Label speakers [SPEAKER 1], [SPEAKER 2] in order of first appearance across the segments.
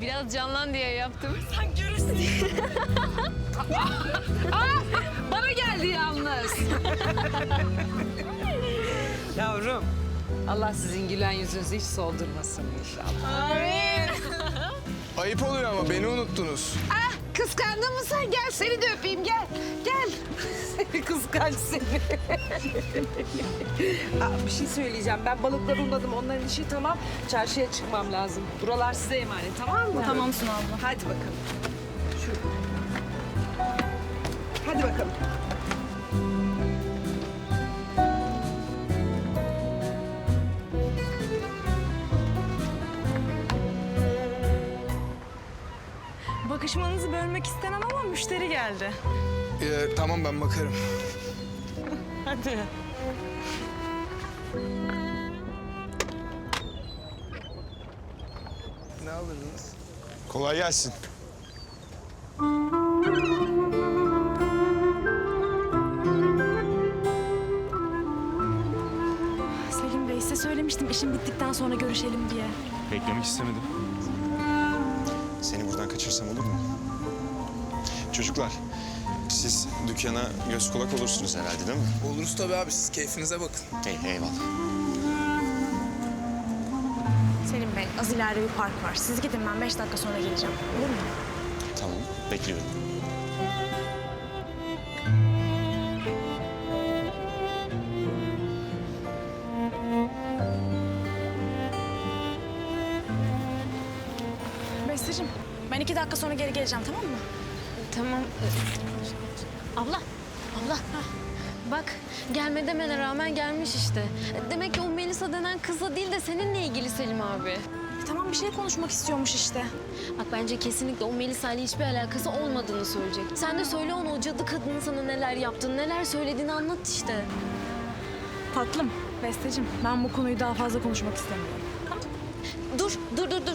[SPEAKER 1] Biraz canlan diye yaptım.
[SPEAKER 2] Sen görürsün. Bana geldi yalnız. Yavrum, Allah sizin gülen yüzünüzü hiç soldurmasın inşallah.
[SPEAKER 3] Ayıp oluyor ama beni unuttunuz.
[SPEAKER 2] Ah, kıskandın mı sen? Gel seni de öpeyim, gel. Gel. Seni kıskanç seni. Bir şey söyleyeceğim. Ben balıkları unladım. Onların işi tamam. Çarşıya çıkmam lazım. Buralar size emanet, tamam mı?
[SPEAKER 1] Tamam Suna abla.
[SPEAKER 2] Hadi bakalım. Hadi bakalım.
[SPEAKER 1] Bakışmanızı bölmek istemem ama müşteri geldi.
[SPEAKER 3] Tamam ben bakarım.
[SPEAKER 1] Hadi.
[SPEAKER 3] Ne alırdınız? Kolay gelsin.
[SPEAKER 4] Selim Bey size söylemiştim işim bittikten sonra görüşelim diye.
[SPEAKER 5] Beklemek istemedim.
[SPEAKER 6] Seni buradan kaçırsam olur mu? Çocuklar, siz dükkana göz kulak olursunuz herhalde değil mi?
[SPEAKER 3] Oluruz tabii abi, siz keyfinize bakın.
[SPEAKER 6] Eyvallah.
[SPEAKER 4] Selim Bey az ileride bir park var. Siz gidin ben 5 dakika sonra geleceğim. Olur mu?
[SPEAKER 6] Tamam, bekliyorum.
[SPEAKER 4] Besteciğim ben 2 dakika sonra geri geleceğim tamam mı?
[SPEAKER 1] Tamam. Abla, abla. Bak, gelme demene rağmen gelmiş işte. Demek ki o Melisa denen kızla değil de seninle ilgili Selim abi.
[SPEAKER 4] Tamam bir şey konuşmak istiyormuş işte.
[SPEAKER 1] Bak bence kesinlikle o Melisa ile hiçbir alakası olmadığını söyleyecek. Sen de söyle ona o cadı kadının sana neler yaptığını, neler söylediğini anlat işte.
[SPEAKER 4] Tatlım Besteciğim ben bu konuyu daha fazla konuşmak istemiyorum.
[SPEAKER 1] Dur.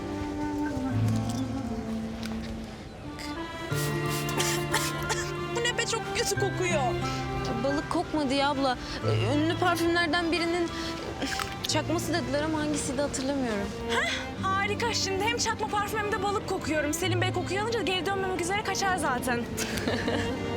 [SPEAKER 4] Bu ne be çok kötü kokuyor.
[SPEAKER 1] Balık kokmadı ya abla. Ünlü parfümlerden birinin çakması dediler ama hangisiydi hatırlamıyorum.
[SPEAKER 4] Harika şimdi hem çakma parfüm hem de balık kokuyorum. Selim Bey kokuyu alınca geri dönmemek üzere kaçar zaten.